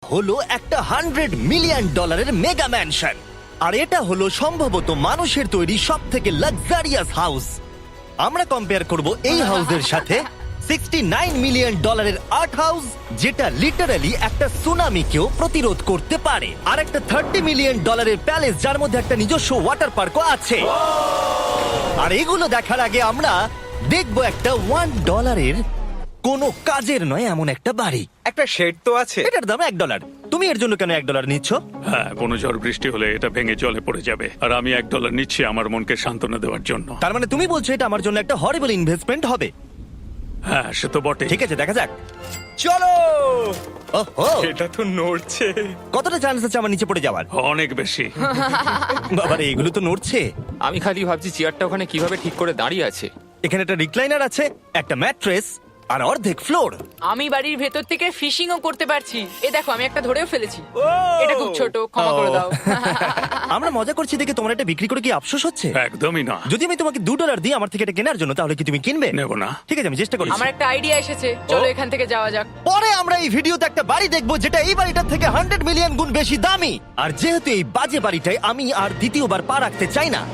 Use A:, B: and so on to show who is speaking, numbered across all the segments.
A: হলো একটা $100 million mega mansion. আর এটা হলো সম্ভবত মানুষের তৈরি সব থেকে লাক্সারিয়াস হাউস। আমরা কম্পেয়ার করব এই হাউসের সাথে $69 মিলিয়ন আর্ট হাউস, যেটা লিটারালি একটা সুনামিকেও প্রতিরোধ করতে পারে, আর একটা $30 মিলিয়ন প্যালেস যার মধ্যে একটা নিজস্ব ওয়াটার পার্কও আছে। আর এগুলো দেখার আগে আমরা দেখবো একটা $1 কোনো কাজের নয় এমন একটা বাড়ি।
B: একটা শেড তো আছে।
A: এটার দাম $1। তুমি এর জন্য কেন $1 নিচ্ছ?
C: হ্যাঁ, কোনো ঝড় বৃষ্টি হলে এটা ভেঙে জলে পড়ে যাবে, আর আমি $1 নিচ্ছি আমার মনকে সান্ত্বনা দেওয়ার জন্য।
A: তার মানে তুমি বলছো এটা আমার জন্য একটা হরিবল ইনভেস্টমেন্ট হবে?
C: হ্যাঁ, সে তো বটে।
A: ঠিক আছে, দেখা যাক।
B: চলো।
A: ওহো,
B: এটা তো নড়ছে।
A: কতটা চান্স আছে আমার নিচে পড়ে যাওয়ার?
C: অনেক বেশি।
A: বাবারে, এগুলো তো নড়ছে।
D: আমি খালি ভাবছি চেয়ারটা ওখানে কিভাবে ঠিক করে দাঁড়িয়ে আছে।
A: এখানে একটা রিক্লাইনার আছে, একটা ম্যাট্রেস, আর অর্ধেক ফ্লোর।
E: আমি বাড়ির ভেতর থেকে ফিশিংও করতে পারছি। এ দেখো, আমি একটা ধরেও ফেলেছি। এটা খুব ছোট, ক্ষমা করে দাও।
A: আমরা মজা করছি দেখে তোমার এটা বিক্রি করে কি আফসোস হচ্ছে?
C: একদমই না।
A: যদি আমি তোমাকে $2 দিই আমার থেকে এটা কেনার জন্য, তাহলে কি তুমি কিনবে?
C: নেব না।
A: ঠিক আছে, আমি চেষ্টা করছি।
E: আমার একটা আইডিয়া এসেছে, চলো এখান থেকে যাওয়া যাক।
A: পরে আমরা এই ভিডিওতে একটা বাড়ি দেখবো যেটা এই বাড়িটার থেকে 100 মিলিয়ন গুণ বেশি দামি। আর যেহেতু এই বাজে বাড়িটায় আমি আর দ্বিতীয়বার পা রাখতে চাই না,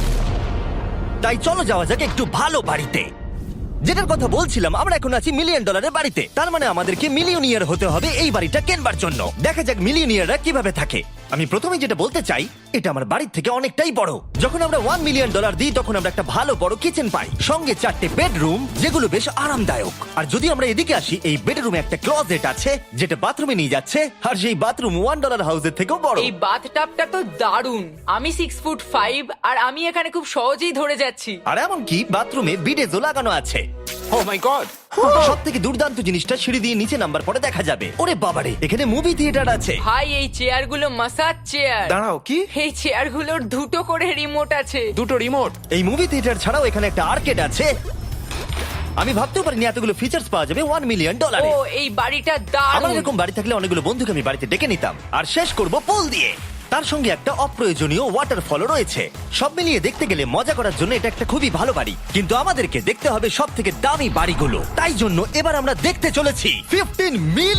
A: তাই চলো যাওয়া যাক একটু ভালো বাড়িতে। যেটার কথা বলছিলাম, আমরা এখন আছি $1 মিলিয়ন বাড়িতে। তার মানে আমাদেরকে মিলিয়নিয়ার হতে হবে এই বাড়িটা কেনবার জন্য। দেখা যাক মিলিয়নিয়াররা কিভাবে থাকে। আমি প্রথমে যেটা বলতে চাই, এটা আমার বাড়ির থেকে অনেকটাই বড়। যখন আমরা $1 মিলিয়ন দিই তখন আমরা একটা ভালো বড় কিচেন পাই, সঙ্গে 4টে বেডরুম যেগুলো বেশ আরামদায়ক। আর যদি আমরা এদিকে আসি, এই বেডরুমে একটা ক্লোজেট আছে যেটা বাথরুমে নিয়ে যাচ্ছে, আর সেই বাথরুম $1 হাউসের থেকেও বড়।
E: এই বাথটাবটা তো দারুণ। আমি 6'5" আর আমি এখানে খুব সহজেই ধরে যাচ্ছি।
A: আর এমনকি বাথরুমে বিডেজও লাগানো আছে।
D: Oh my god!
A: সব থেকে দুর্দান্ত জিনিসটা, সিঁড়ি দিয়ে নিচে নাম্বার পরে দেখা যাবে। ওরে বাবারে, এখানে মুভি থিয়েটার আছে।
E: ভাই, এই চেয়ারগুলো মাসাজ চেয়ার।
B: দাঁড়াও, কি?
E: এই চেয়ারগুলোর দুটো করে রিমোট আছে।
D: দুটো রিমোট?
A: এই মুভি থিয়েটার ছাড়াও এখানে একটা আর্কেড আছে। আমি ভাবতেও পারিনি এতগুলো ফিচার্স পাওয়া যাবে $1 মিলিয়ন।
E: ও, এই বাড়িটা
A: আমার
E: দারুণ।
A: এরকম বাড়ি থাকলে অনেকগুলো বন্ধুকে আমি বাড়িতে ডেকে নিতাম, আর শেষ করব পুল দিয়ে। তার সঙ্গে একটা অপ্রয়োজনীয় ওয়াটারফলও রয়েছে। সব মিলিয়ে দেখতে গেলে মজা করার জন্য এটা একটা খুবই ভালো বাড়ি, কিন্তু আমাদেরকে দেখতে হবে সব থেকে দামি বাড়িগুলো। তাই জন্য এবার আমরা দেখতে চলেছি $15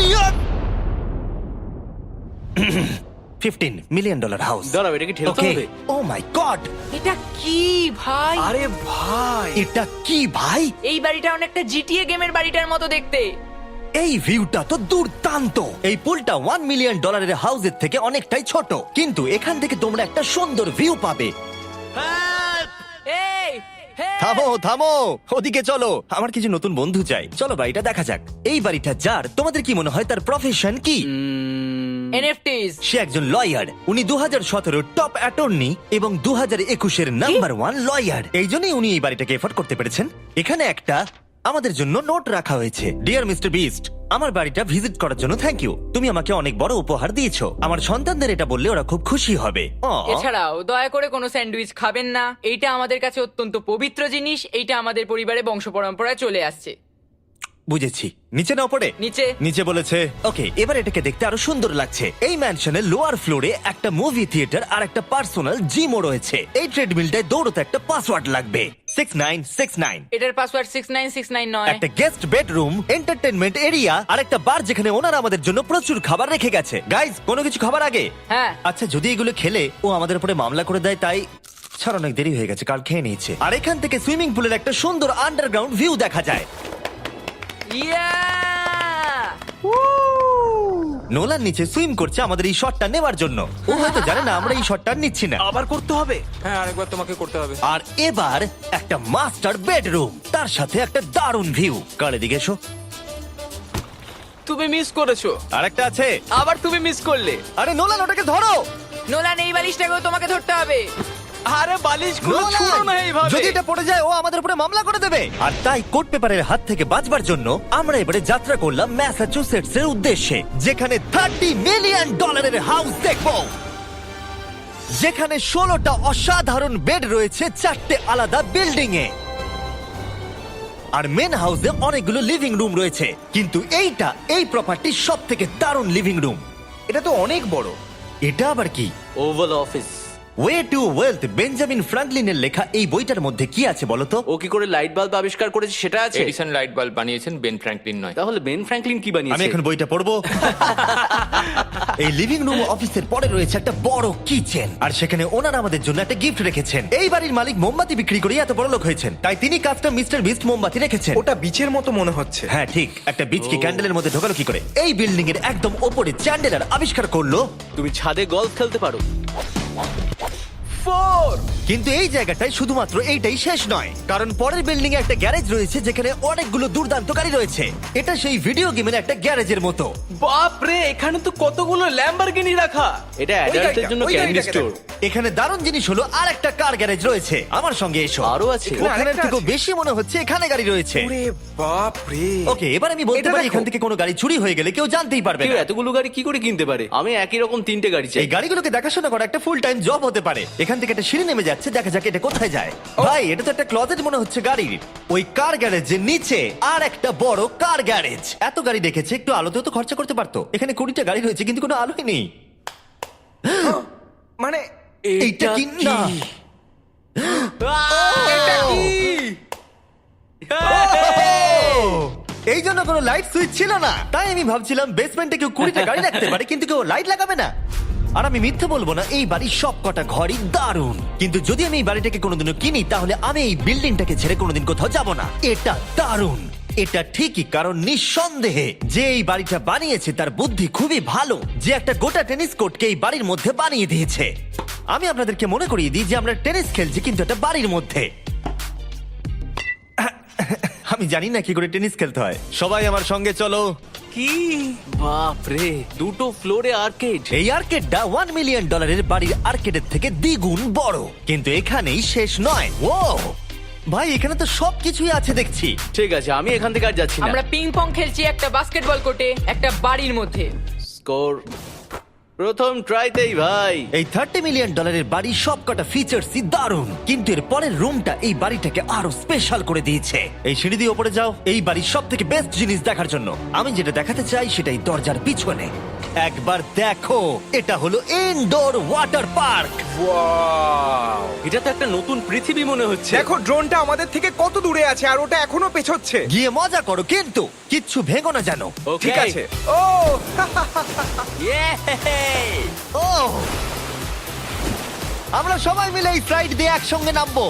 A: মিলিয়ন হাউস।
B: দাঁড়াও, এটাকে ঠেলতে হবে।
A: ও মাই গড,
E: এটা কি ভাই?
B: আরে ভাই,
A: এটা কি ভাই?
E: এই বাড়িটা অনেকটা জিটিএ গেমের বাড়িটার মতো দেখতে।
A: এই ভিউটা তো দুর্দান্ত। এই পুলটা $1 মিলিয়ন হাউসের থেকে অনেকটাই ছোট, কিন্তু এখান থেকে তোমরা একটা সুন্দর ভিউ পাবে।
E: এই, হে!
A: থামো থামো, ওদিকে চলো, আমার কিছু নতুন বন্ধু চাই। চলো বাড়িটা দেখা যাক। এই বাড়িটা যার, তোমাদের কি মনে হয় তার প্রফেশন কি?
E: NFTs।
A: সে একজন লয়ার। উনি 2017 টপ অ্যাটর্নি এবং 2021 নাম্বার 1 লয়ার। এই জন্যই উনি এই বাড়িটাকে এফোর্ড করতে পেরেছেন। এখানে একটা আমাদের জন্য নোট রাখা হয়েছে। ডিয়ার মিস্টার বিস্ট, আমার বাড়িটা ভিজিট করার জন্য থ্যাংক ইউ। তুমি আমাকে অনেক বড় উপহার দিয়েছো। আমার সন্তানদের এটা বললে ওরা খুব খুশি হবে।
E: এছাড়াও দয়া করে কোনো স্যান্ডউইচ খাবেন না। এইটা আমাদের কাছে অত্যন্ত পবিত্র জিনিস। এইটা আমাদের পরিবারে বংশ পরম্পরায় চলে আসছে।
A: বুঝেছি। নিচে না পড়ে?
E: নিচে।
A: নিচে বলেছে। ওকে, এবার এটাকে দেখতে আরো সুন্দর লাগছে। এই ম্যানশনের লোয়ার ফ্লোরে একটা মুভি থিয়েটার আর একটা পার্সোনাল জিমও রয়েছে। এই ট্রেডমিলটায় দৌড়তে একটা পাসওয়ার্ড লাগবে, 6969।
E: এটার পাসওয়ার্ড 6969 নয়।
A: একটা গেস্ট বেডরুম, এন্টারটেইনমেন্ট এরিয়া আর একটা বার যেখানে ওনারা আমাদের জন্য প্রচুর খাবার রেখে গেছে। গাইজ, কোনো কিছু খাবার আগে?
E: হ্যাঁ।
A: আচ্ছা, যদি এগুলো খেলে ও আমাদের উপরে মামলা করে দেয়, তাই ছাড়, অনেক দেরি হয়ে গেছে, কাল খেয়ে নিয়েছে। আর এখান থেকে সুইমিং পুলের একটা সুন্দর আন্ডারগ্রাউন্ড ভিউ দেখা যায়।
E: ইয়া!
A: নোলান নিচে সুইম করছে আমাদের এই শটটা নেবার জন্য। ও হয়তো জানে না আমরা এই শটটা নিচ্ছি না।
B: আবার করতে হবে।
D: হ্যাঁ, আরেকবার তোমাকে করতে হবে।
A: আর এবার একটা মাস্টার বেডরুম, তার সাথে একটা দারুণ ভিউ। কার এদিকে এসো।
B: তুমি মিস করেছো।
A: আর একটা আছে।
B: আবার তুমি মিস করলে।
A: আরে নোলান, ওটাকে ধরো।
E: নোলান, এই বালিশটাকেও তোমাকে ধরতে হবে।
B: আরে বালিশগুলো
A: নোলান,
B: ছুঁড়ো না এইভাবে।
A: যদি এটা পড়ে যায় ও আমাদের উপরে মামলা করে দেবে। আর তাই কোর্ট পেপারের হাত থেকে বাঁচবার জন্য আমরা এবারে যাত্রা করলাম ম্যাসাচুসেটস এর উদ্দেশ্যে, যেখানে $30 মিলিয়ন হাউস দেখবো, যেখানে 16টা অসাধারণ বেড রয়েছে 4টে আলাদা বিল্ডিং এ। আর মেন হাউসে অনেকগুলো লিভিং রুম রয়েছে, কিন্তু এই প্রপার্টির সব থেকে দারুণ লিভিং রুম।
B: এটা তো অনেক বড়।
A: এটা আবার কি?
B: Oval office.
A: Way to wealth, Benjamin ফ্রাঙ্কলিনের লেখা এই বইটার মধ্যে কি আছে বলতো?
B: ও কি করে লাইট বাল্ব আবিষ্কার করেছে সেটা আছে?
D: এডিসন লাইট বাল্ব বানিয়েছেন, বেন ফ্র্যাঙ্কলিন নয়।
B: তাহলে বেন ফ্র্যাঙ্কলিন কি
A: আমি
B: বানিয়েছে?
A: এখন বইটা পড়বো। এই লিভিং রুম অফিসের পরে রয়েছে একটা বড় কিচেন, আর সেখানে ওনারা আমাদের জন্য একটা গিফট রেখেছেন। এই বাড়ির মালিক মোমবাতি বিক্রি করে এত বড় লোক হয়েছেন, তাই তিনি কাস্টম মিস্টার বিস্ট মোমবাতি রেখেছেন।
F: ওটা বিচের মতো মনে হচ্ছে।
A: হ্যাঁ ঠিক, একটা বীজকে ক্যান্ডেলের মধ্যে ঢোকালো কি করে? এই বিল্ডিং এর একদম ওপরে চ্যান্ডেলার আবিষ্কার করলো,
B: তুমি ছাদে গলফ খেলতে পারো।
A: কিন্তু এই জায়গাটায় শুধুমাত্র এইটাই শেষ নয়, কারণ পরের বিল্ডিং এ একটা গ্যারেজ রয়েছে যেখানে অনেকগুলো দুর্দান্ত গাড়ি রয়েছে। এটা সেই ভিডিও গেমের একটা গ্যারেজের মতো।
B: বাপ রে, এখানে তো কতগুলো ল্যাম্বরগিনি রাখা। এটা অ্যাডাল্টদের জন্য
F: ওই
B: ক্যান্ডি
F: গাড়িটাকে
B: স্টোর।
A: এখানে দারুণ জিনিস হলো আর একটা কার গ্যারেজ রয়েছে। আমার সঙ্গে এসো।
B: আরো আছে?
A: ওখানের
F: আরেকটা
A: থেকেও
F: আছে?
A: বেশি মনে হচ্ছে এখানে গাড়ি রয়েছে।
F: ওরে বাপ রে।
A: ওকে, এবার আমি বলতে
F: এটা
A: পারি
F: দেখো।
A: এখান থেকে কোনো গাড়ি চুরি হয়ে গেলে কেউ জানতেই পারবে
B: কেউ
A: না।
B: এতগুলো গাড়ি কি করে কিনতে পারে? আমি একই রকম 3টে গাড়ি চাই।
A: এই গাড়িগুলোকে দেখাশোনা করা একটা ফুল টাইম জব হতে পারে। এখান থেকে একটা সিঁড়ি নেমে যাচ্ছে, দেখা যাক এটা কোথায় যায়। ভাই, এটা তো একটা ক্লজেট মনে হচ্ছে গাড়ির। ওই কার গ্যারেজের নিচে আর একটা বড় কার গ্যারেজ। এত গাড়ি দেখেছে, একটু আলোতেও তো খরচা করতে পারতো। এখানে 20টা গাড়ি রয়েছে কিন্তু কোনো আলোই নেই।
F: মানে
A: এইটা কি না?
F: এটা কি?
A: এই জন্য কোনো লাইট সুইচ ছিল না, তাই আমি ভাবছিলাম বেসমেন্টে কেউ 20টা গাড়ি রাখতে পারে কিন্তু কেউ লাইট লাগাবে না। আর আমি মিথ্যে বলবো না, এই বাড়ির সব কটা ঘরই দারুণ। কিন্তু যদি আমি এই বাড়িটাকে কোনোদিনও কিনি, তাহলে আমি এই বিল্ডিংটাকে ছেড়ে কোনোদিন কোথাও যাব না। এটা দারুণ। এটা ঠিকই, কারণ নিঃসন্দেহে যে এই বাড়িটা বানিয়েছে তার বুদ্ধি খুবই ভালো, যে একটা গোটা টেনিস কোর্টকে এই বাড়ির মধ্যে বানিয়ে দিয়েছে। আমি আপনাদেরকে মনে করিয়ে দিই যে আমরা টেনিস খেলছি কিন্তু একটা বাড়ির মধ্যে। আমি জানি না কি করে টেনিস খেলতে হয়। সবাই আমার সঙ্গে চলো।
F: কি?
B: বাপ রে, 2টো ফ্লোরে আর্কেড।
A: এই আর্কেডটা $1 মিলিয়ন বাড়ির আর্কেডের থেকে দ্বিগুণ বড়। কিন্তু এখানেই শেষ নয়। ও ভাই, এখানে তো সবকিছুই আছে দেখছি।
B: ঠিক আছে, আমি এখান থেকে আর যাচ্ছি না।
E: আমরা পিং পং খেলছি একটা বাস্কেটবল কোর্টে, একটা বাড়ির মধ্যে।
B: স্কোর প্রথম ট্রাইতেই ভাই।
A: এই $30 মিলিয়ন বাড়ির সবকটা ফিচার্সই দারুণ, কিন্তু এর পরের রুমটা এই বাড়িটাকে আরো স্পেশাল করে দিয়েছে। এই সিঁড়ি দিয়ে উপরে যাও এই বাড়ির সব থেকে বেস্ট জিনিস দেখার জন্য। আমি যেটা দেখাতে চাই সেটাই দরজার পিছনে। একবার দেখো, এটা হলো ইনডোর ওয়াটার পার্ক।
F: ওয়াও!
B: এটা তো একটা নতুন পৃথিবী মনে হচ্ছে।
F: দেখো ড্রোনটা আমাদের থেকে কত দূরে আছে আর ওটা এখনো পেছচ্ছে।
A: গিয়ে মজা করো, কিন্তু কিচ্ছু ভেঙো না জানো।
B: Okay.
F: ঠিক আছে। ও
B: Yay!
A: ও, আমরা সবাই মিলে এই ফ্লাইট দিয়ে একসঙ্গে নামবো।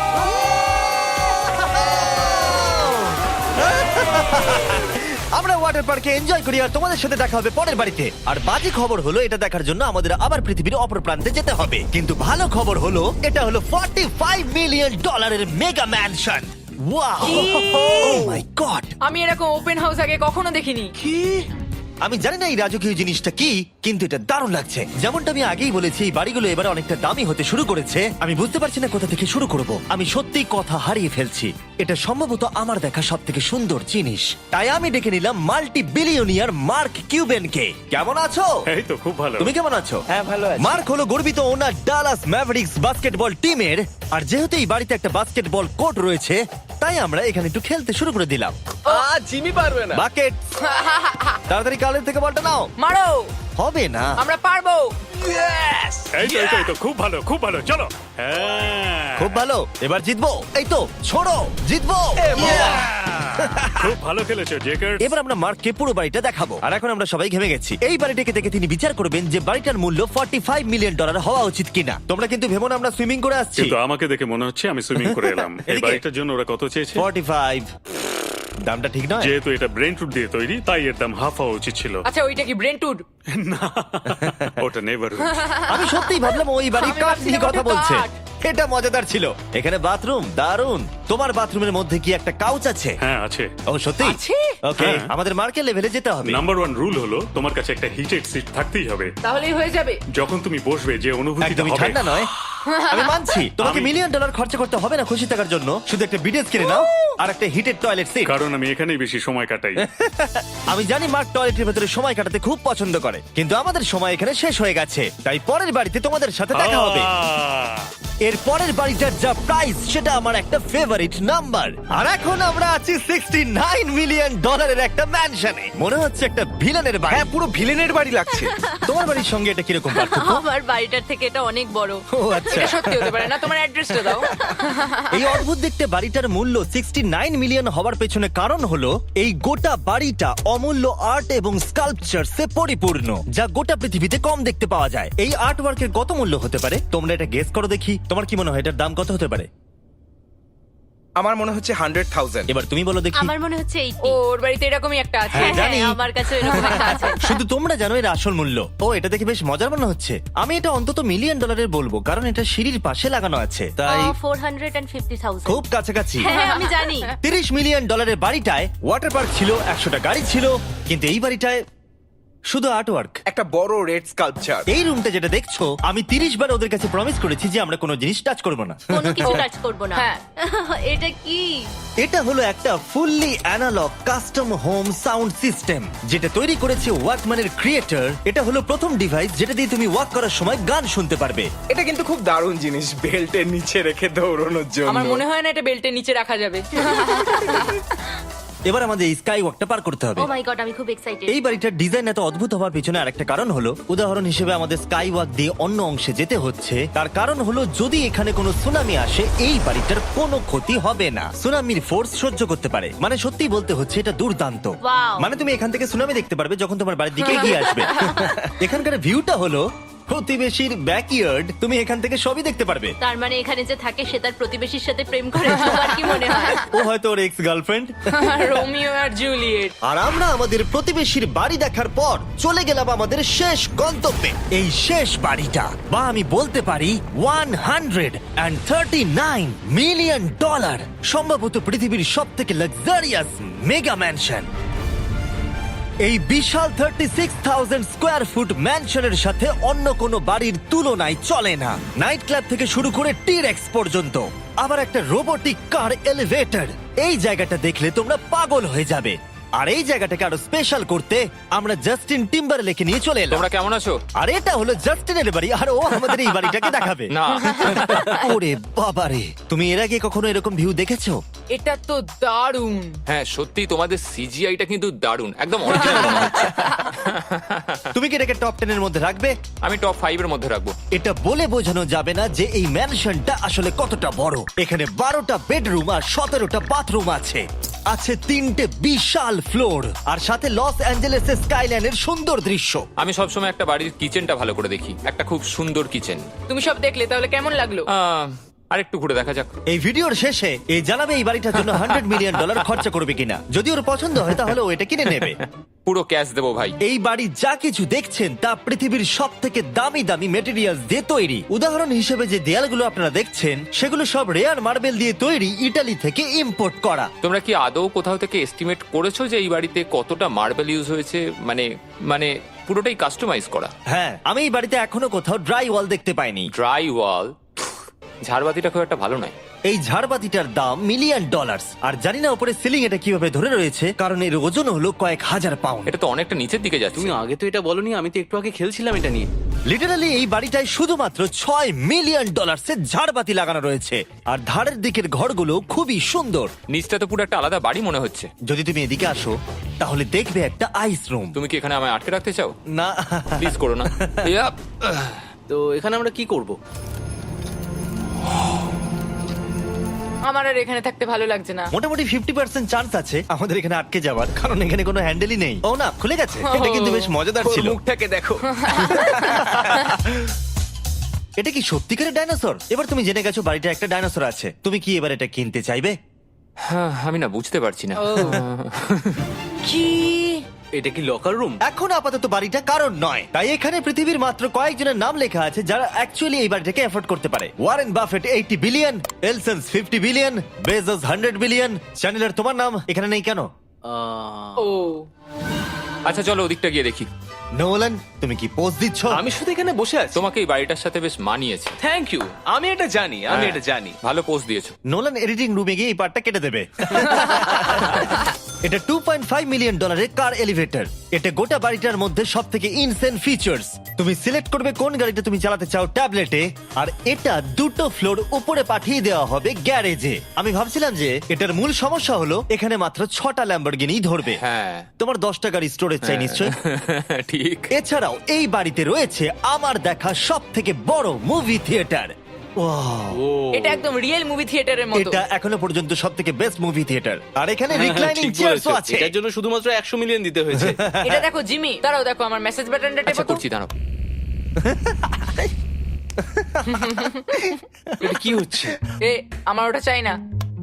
A: আমরা ওয়াটার পার্কে এনজয় করি, আর তোমাদের সাথে দেখা হবে পরের বাড়িতে। আর বাজে খবর হলো, এটা দেখার জন্য আমাদের আবার পৃথিবীর অপর প্রান্তে যেতে হবে। কিন্তু ভালো খবর হলো, এটা হলো $45 million mega mansion. Wow, oh my god!
E: আমি এরকম ওপেন হাউস আগে কখনো দেখিনি।
A: আমি জানি না এই রাজকীয় জিনিসটা কি, কিন্তু এটা দারুণ লাগছে। যেমনটা আমি আগেই বলেছি, এই বাড়িগুলো এবার অনেকটা দামি হতে শুরু করেছে। আমি বুঝতে পারছি না কোথা থেকে শুরু করব। আমি সত্যি কথা হারিয়ে ফেলছি। এটা সম্ভবত আমার দেখা সব থেকে সুন্দর জিনিস, তাই আমি ডেকে নিলাম মাল্টি বিলিয়নিয়ার মার্ক কিউবেনকে। কেমন আছো?
C: এই তো খুব ভালো।
A: তুমি কেমন আছো?
F: হ্যাঁ, ভালো আছি।
A: মার্ক হলো গর্বিত ওনার ডালাস ম্যাভরিক্স বাস্কেটবল টিমের। আর যেহেতু এই বাড়িতে একটা বাস্কেটবল কোর্ট রয়েছে, তাই আমরা এখানে একটু খেলতে শুরু করে দিলাম।
B: জিমি পারবে না।
A: বাকেট, তাড়াতাড়ি কালের থেকে বলটা নাও।
E: মারো,
A: হবে না।
E: আমরা পারবো।
C: এই তো খুব ভালো, খুব ভালো। চলো। হ্যাঁ,
A: খুব ভালো, এবার জিতবো। এই তো, ছোড়ো, জিতবো।
C: খুব ভালো খেলেছো জেকার।
A: এবার আমরা মার্ককে পুরো বাড়িটা দেখাবো। আর এখন আমরা সবাই ঘেমে গেছি। এই বাড়িটাকে দেখে তিনি বিচার করবেন যে বাড়িটার মূল্য $45 মিলিয়ন হওয়া উচিত কিনা। তোমরা কিন্তু ভেবো না আমরা সুইমিং করে আসছি।
C: কিন্তু আমাকে দেখে মনে হচ্ছে আমি সুইমিং করে এলাম। এই
A: এদিকে।
C: বাড়িটার জন্য ওরা কত চেয়েছে?
A: 45। দামটা ঠিক নয়।
C: যেহেতু এটা ব্রেন টুড দিয়ে তৈরি, তাই এর দাম হাফ হওয়া উচিত ছিল।
E: আচ্ছা, ওইটা কি ব্রেন্টউড?
C: ওটা নেভার।
A: আমি সত্যিই ভাবলাম ওই বাড়ির
E: আমি
A: কাঠ নিয়ে
E: ভাবছিলাম
A: কথা
E: ওটা
A: বলছে।
E: কাঠ।
A: এটা মজাদার ছিল। এখানে বাথরুম দারুণ। তোমার বাথরুমের মধ্যে কি একটা কাউচ আছে?
C: হ্যাঁ আছে।
A: ও সত্যি?
E: আছে?
A: ওকে,
C: হ্যাঁ।
A: আমাদের মার্কেট লেভেলে যেতে হবে।
C: নাম্বার 1 রুল হলো তোমার কাছে একটা হিটেড সিট থাকতেই হবে।
E: তাহলেই হয়ে যাবে।
C: যখন তুমি বসবে যে অনুভূতিটা
A: একদমই
C: হবে।
A: ঠান্ডা নয়। আমি মানছি তোমাকে
C: আমি-
A: $1 মিলিয়ন খরচা করতে হবে না খুশি থাকার জন্য। শুধু একটা বিডেস কিনে নাও আর একটা হিটেড টয়লেট সিট।
C: কারণ আমি এখানেই বেশি সময় কাটাই।
A: আমি জানি মার্ক টয়লেটের ভেতরে সময় কাটাতে খুব পছন্দ করে, কিন্তু আমাদের সময় এখানে শেষ হয়ে গেছে। তাই পরের বাড়িতে তোমাদের সাথে দেখা হবে।
C: আহ!
A: এর পরের বাড়িটার যা প্রাইস সেটা আমার একটা ফেভারিট নাম্বার। আর এখন আমরা আছি $69 মিলিয়ন একটা ম্যানশনে। মনে হচ্ছে একটা ভিলেনের বাড়ি।
F: হ্যাঁ, পুরো ভিলেনের বাড়ি লাগছে।
A: তোমার বাড়ির সঙ্গে এটা কিরকম পার্থক্য?
G: আমার বাড়িটার থেকে এটা অনেক বড়।
A: ও আচ্ছা।
E: এটা সত্যি হতে পারে না, তোমার অ্যাড্রেসটা দাও।
A: এই অদ্ভুত দেখতে বাড়িটার মূল্য 69 মিলিয়ন হওয়ার পেছনে কারণ হলো এই গোটা বাড়িটা অমূল্য আর্ট এবং স্কাল্পচারসে পরিপূর্ণ, যা গোটা পৃথিবীতে কম দেখতে পাওয়া যায়। এই আর্ট ওয়ার্কের কত মূল্য হতে পারে তোমরা এটা গেস করো দেখি। তোমার কি মনে হয় এটার দাম কত হতে পারে?
F: আমার মনে হচ্ছে 100,000।
A: এবার তুমি বলো দেখি।
G: আমার মনে হচ্ছে 80।
E: ওর বাড়িতে এরকমই একটা আছে।
A: হ্যাঁ, জানি।
G: আমার কাছে এরকম একটা আছে।
A: শুধু তোমরা জানো এর আসল মূল্য। ও, এটা দেখে বেশ মজার মনে হচ্ছে। আমি এটা অন্তত $1 মিলিয়ন বলবো, কারণ এটা সিঁড়ির পাশে লাগানো আছে, তাই
G: 450,000।
A: খুব কাছাকাছি।
G: হ্যাঁ, আমি জানি।
A: $30 মিলিয়ন বাড়িটায় ওয়াটার পার্ক ছিল, 100টা গাড়ি ছিল, কিন্তু এই বাড়িটায় শুধু আর্ট ওয়ার্ক।
F: একটা বড় রেড স্কাল্পচার।
A: এই রুমটা যেটা দেখছো, আমি 30 বার ওদের কাছে প্রমিস করেছি যে আমরা কোনো জিনিস টাচ করব না।
G: কোনো কিছু টাচ করব না।
E: হ্যাঁ।
G: এটা কি?
A: এটা হলো একটা fully analogue custom home sound system, যেটা তৈরি করেছে ওয়াকম্যানের ক্রিয়েটর। এটা হলো প্রথম ডিভাইস যেটা দিয়ে তুমি ওয়াক করার সময় গান শুনতে পারবে।
F: এটা কিন্তু খুব দারুণ জিনিস, বেল্টের নিচে রেখে দৌড়ানোর জন্য।
E: আমার মনে হয় না এটা বেল্টের নিচে রাখা যাবে।
A: এবার আমাদের এই স্কাই ওয়াকটা পার করতে হবে।
G: ও মাই গড, আমি খুব এক্সাইটেড।
A: এই বাড়িটার ডিজাইন এত অদ্ভুত হওয়ার পিছনে আরেকটা কারণ হলো, উদাহরণ হিসেবে আমাদের স্কাই ওয়াক দিয়ে অন্য অংশে যেতে হচ্ছে। তার কারণ হলো যদি এখানে কোনো সুনামি আসে এই বাড়িটার কোনো ক্ষতি হবে না। সুনামির ফোর্স সহ্য করতে পারে। মানে সত্যি বলতে হচ্ছে এটা দুর্দান্ত।
G: Wow.
A: মানে তুমি এখান থেকে সুনামি দেখতে পারবে যখন তোমার বাড়ির দিকে এগিয়ে আসবে। এখানকার ভিউটা হলো প্রতিবেশীর ব্যাকইয়ার্ড। তুমি এখান থেকে সবই দেখতে পারবে।
G: তার মানে এখানে যে থাকে সে তার প্রতিবেশীর সাথে প্রেম করে, তোমার কি মনে হয়?
A: ও হয়তো ওর এক্স গার্লফ্রেন্ড।
E: রোমিও আর জুলিয়েট।
A: আর আমরা আমাদের প্রতিবেশীর বাড়ি দেখার পর চলে গেলাম আমাদের শেষ গন্তব্যে। এই শেষ বাড়িটা, বা আমি বলতে পারি $139 মিলিয়ন, সম্ভবত পৃথিবীর সব থেকে লাক্সারিয়াস মেগা ম্যানশন। এই বিশাল 36,000 স্কোয়ার ফুট ম্যানশনের সাথে অন্য কোনো বাড়ির তুলনায় চলে না। নাইট ক্লাব থেকে শুরু করে টিরেক্স পর্যন্ত, আবার একটা রোবোটিক কার এলিভেটর। এই জায়গাটা দেখলে তোমরা পাগল হয়ে যাবে। আর এই জায়গাটাকে আরো স্পেশাল করতে আমরা জাস্টিন টিম্বারলেকে নিয়ে চলে এলাম।
D: তোমরা কেমন আছো?
A: আর এটা হলো জাস্টিনের বাড়ি, আর ও আমাদের এই বাড়িটাকে দেখাবে।
D: না।
A: ওরে বাবারে, তুমি এর আগে কখনো এরকম ভিউ দেখেছো?
E: এটা তো দারুণ।
D: হ্যাঁ, সত্যি তোমাদের সিজিআইটা কিন্তু দারুণ, একদম অরিজিনাল মনে হচ্ছে।
A: তুমি কি এটাকে টপ 10 এর মধ্যে রাখবে?
D: আমি টপ 5 এর মধ্যে রাখবো।
A: এটা বলে বোঝানো যাবে না যে এই ম্যানশনটা আসলে কতটা বড়। এখানে 12টা বেডরুম আর 17টা বাথরুম আছে। আছে 3টে বিশাল ফ্লোর, আর সাথে লস অ্যাঞ্জেলেসের স্কাইলাইনের সুন্দর দৃশ্য।
D: আমি সবসময় একটা বাড়ির কিচেনটা ভালো করে দেখি, একটা খুব সুন্দর কিচেন।
E: তুমি সব দেখলে, তাহলে কেমন লাগলো?
D: আরেকটু ঘুরে দেখা যাক।
A: এই ভিডিওর শেষে এই জানাবে এই বাড়িটার জন্য $100 মিলিয়ন খরচা করবে কিনা। যদি ওর পছন্দ হয় তাহলে ও এটা কিনে নেবে।
D: পুরো ক্যাশ দেবো ভাই।
A: এই বাড়ি যা কিছু দেখছেন তা পৃথিবীর সব থেকে দামি দামি মেটেরিয়ালস দিয়ে তৈরি। উদাহরণ হিসেবে যে দেয়ালগুলো আপনারা দেখছেন সেগুলো সব রেয়ার মার্বেল দিয়ে তৈরি, ইটালি থেকে ইম্পোর্ট করা।
D: তোমরা কি আদৌ কোথাও থেকে এস্টিমেট করেছো যে এই বাড়িতে কতটা মার্বেল ইউজ হয়েছে? মানে পুরোটাই কাস্টমাইজ করা।
A: হ্যাঁ, আমি এই বাড়িতে এখনো কোথাও ড্রাই ওয়াল দেখতে পাইনি।
D: ড্রাই ওয়াল? ঝাড়বাতিটা খুব একটা ভালো নয়।
A: এই ঝাড়বাতিটার দাম $1 মিলিয়ন। আর জানি না উপরে সিলিং এটা কিভাবে ধরে রয়েছে, কারণ এর ওজন হলো কয়েক হাজার পাউন্ড।
D: এটা তো অনেকটা নিচের দিকে যাচ্ছে।
B: তুমি আগে তো এটা বলনি, আমি তো একটু আগে খেলছিলাম এটা নিয়ে।
A: লিটারালি এই বাড়িটায় শুধুমাত্র $6 মিলিয়ন ঝাড়বাতি লাগানো রয়েছে। আর ধারের দিকের ঘরগুলো খুবই সুন্দর।
D: নিচটা তো পুরো একটা আলাদা বাড়ি মনে হচ্ছে।
A: যদি তুমি এদিকে আসো তাহলে দেখবে একটা আইস রুম।
D: তুমি কি এখানে আমায় আটকে রাখতে চাও?
A: না,
D: প্লিজ করো না। ইয়াপ।
B: তো এখানে আমরা কি করব?
E: আমার আর এখানে থাকতে ভালো লাগছে না।
A: মোটামুটি 50% চান্স আছে আমাদের এখানে আটকে যাওয়ার, কারণ এখানে কোনো হ্যান্ডেলই নেই। ও না, খুলে গেছে। এটা কিন্তু বেশ মজাদার
F: ওর
A: ছিল।
F: মুখটাকে দেখো।
A: এটা কি সত্যিকারের ডাইনোসর? এবার তুমি জেনে গেছো বাড়িটা একটা ডাইনোসর আছে। তুমি কি এবার এটা কিনতে চাইবে?
D: হ্যাঁ, আমি না বুঝতে পারছি না।
E: কি?
B: এটা কি লকার রুম?
A: এখন আপাতত বাড়িটা কারণ নয়, তাই এখানে পৃথিবীর মাত্র কয়েকজনের নাম লেখা আছে যারা অ্যাকচুয়ালি এই বাড়িটাকে এফোর্ড করতে পারে। ওয়ারেন বাফেট 80 বিলিয়ন, এলসন্স 50 বিলিয়ন, বেজোস 100 বিলিয়ন। চ্যানেলের তোমার নাম এখানে নেই কেন?
E: ও
D: আচ্ছা, চলো ওদিকটা গিয়ে দেখি।
A: নোলান, তুমি কি পোজ দিচ্ছ?
B: আমি শুধু এখানে বসে আছি।
D: তোমাকে এই বাড়িটার সাথে বেশ মানিয়েছে।
B: Thank you. আমি এটা জানি, আমি এটা জানি।
D: ভালো পোস্ট দিয়েছো।
A: নোলান এডিটিং রুমে গিয়ে এই পার্টটা কেটে দেবে। এটা $2.5 মিলিয়ন কার এলিভেটর। এটা গোটা বাড়িটার মধ্যে সব থেকে ইনসেন ফিচার্স। তুমি সিলেক্ট করবে কোন গাড়িটা তুমি চালাতে চাও ট্যাবলেটে, আর এটা 2টো ফ্লোর উপরে পাঠিয়ে দেওয়া হবে গ্যারেজে। আমি ভাবছিলাম যে এটার মূল সমস্যা হলো এখানে মাত্র 6টা ল্যাম্বরগিনি ধরবে।
D: হ্যাঁ
A: তোমার 10টা গাড়ি স্টোরেজ চাই নিশ্চয়।
D: ঠিক।
A: এছাড়াও এই বাড়িতে রয়েছে আমার দেখা সব থেকে বড় মুভি থিয়েটার।
E: এটা একদম রিয়েল মুভি থিয়েটারের মতো।
A: এটা এখনো পর্যন্ত সব থেকে বেস্ট মুভি থিয়েটার। আর এখানে
B: হ্যাঁ,
A: রিক্লাইনিং
B: ঠিক
A: চেয়ারসও
B: বলেছো।
A: আছে।
B: এটার জন্য শুধুমাত্র 100 মিলিয়ন দিতে হয়েছে।
E: এটা দেখো জিমি, দাঁড়াও দেখো আমার মেসেজ বাটনটা
D: আচ্ছা
E: টেপো তো।
D: করছি দাঁড়াও।
B: এটা কি হচ্ছে?
E: এ আমার ওটা চাই না।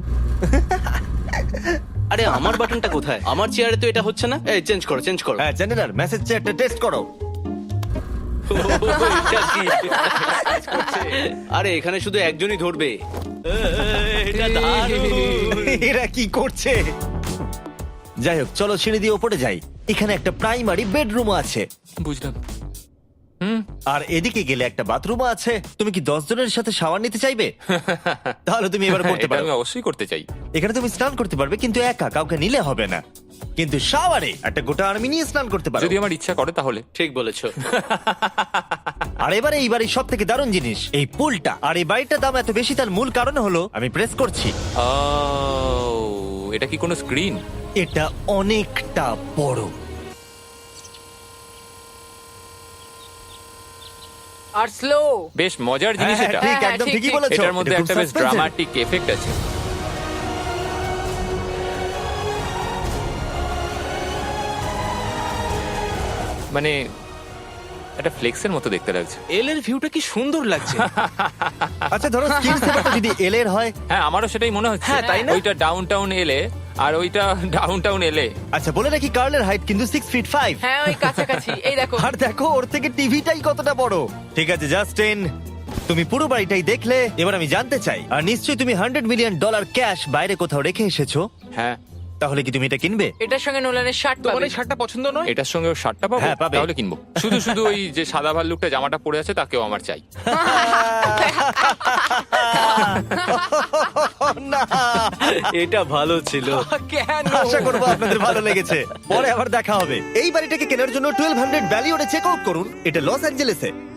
B: আরে আমার বাটনটা কোথায়? আমার চেয়ারে তো এটা হচ্ছে না। এই চেঞ্জ করো, চেঞ্জ করো।
A: হ্যাঁ চ্যানেলার মেসেজ চেয়ারটা টেস্ট করো।
B: এটা কি? আরে এখানে শুধু একজনই ধরবে। এটা দারুণ।
A: এরা কি করছে? যাই হোক চলো সিঁড়ি দিয়ে ওপরে যাই। এখানে একটা প্রাইমারি বেডরুম আছে,
D: বুঝলাম।
A: আর এদিকে গেলে একটা বাথরুমও আছে। তুমি কি 10 জনের সাথে শাওয়ার নিতে চাইবে? তাহলে তুমি এবার করতে
D: এটা
A: পারো।
D: আমি অবশ্যই করতে চাই।
A: এখানে তুমি স্নান করতে পারবে, কিন্তু একা, কাউকে নিলে হবে না। কিন্তু শাওয়ারে একটা গোটা আর্মি নিয়ে স্নান করতে পারো।
D: যদি আমার ইচ্ছা করে তাহলে।
B: ঠিক বলেছো।
A: আর এবারে এই বাড়ির সব থেকে দারুণ জিনিস এই পুলটা। আর এই বাড়িটার দাম এত বেশি তার মূল কারণ হলো, আমি প্রেস করছি,
D: ও, এটা কি কোনো স্ক্রিন?
A: এটা অনেকটা বড়।
E: আর স্লো।
D: বেশ মজার জিনিস
A: হ্যাঁ,
D: এটা।
A: ঠিক,
E: হ্যাঁ,
A: একদম
E: ঠিক,
A: ঠিকই
E: ঠিক।
A: বলেছো।
D: এটার মধ্যে
A: এটা খুব
D: একটা বেশ
A: suspense-এর।
D: ড্রামাটিক এফেক্ট আছে। মানে একটা ফ্লেক্সের মতো দেখতে লাগছে।
B: এল এর ভিউটা কি সুন্দর লাগছে।
A: আচ্ছা ধরো স্কিন সেভারটা যদি এল এর হয়।
D: হ্যাঁ আমারও সেটাই মনে হচ্ছে।
B: হ্যাঁ, তাই না?
D: ওইটা ডাউন টাউন এলে আর ওইটা ডাউন টাউন এলে।
A: আচ্ছা বলে রাখি কার্লের হাইট কিন্তু 6'5".
E: হ্যাঁ ওই কাছাকাছি। এই দেখো।
A: আর দেখো ওর থেকে টিভিটাই কতটা বড়। ঠিক আছে জাস্টিন, তুমি পুরো বাড়িটাই দেখলে। এবার আমি জানতে চাই, আর নিশ্চয়ই তুমি $100 মিলিয়ন ক্যাশ বাইরে কোথাও রেখে এসেছো,
D: হ্যাঁ
A: তাহলে কি তুমি এটা কিনবে?
E: এটার সঙ্গে নোলানের শার্ট
F: তোমার
E: পাবে।
F: এই শার্টটা পছন্দ নয়?
D: এটার সঙ্গে ওর শার্টটা পাবো?
A: হ্যাঁ, পাবে।
D: তাহলে কিনবো। শুধু শুধু ওই যে সাদা ভাল্লুকটা জামাটা পরে আছে তাকেও আমার চাই।
A: না,
B: এটা ভালো ছিল।
E: কেন?
A: আশা করবো আপনাদের ভালো লেগেছে। পরে আবার দেখা হবে। এই বাড়িটাকে কেনার জন্য 1200 ভ্যালিওরে চেক আউট করুন। এটা লস অ্যাঞ্জেলেসে।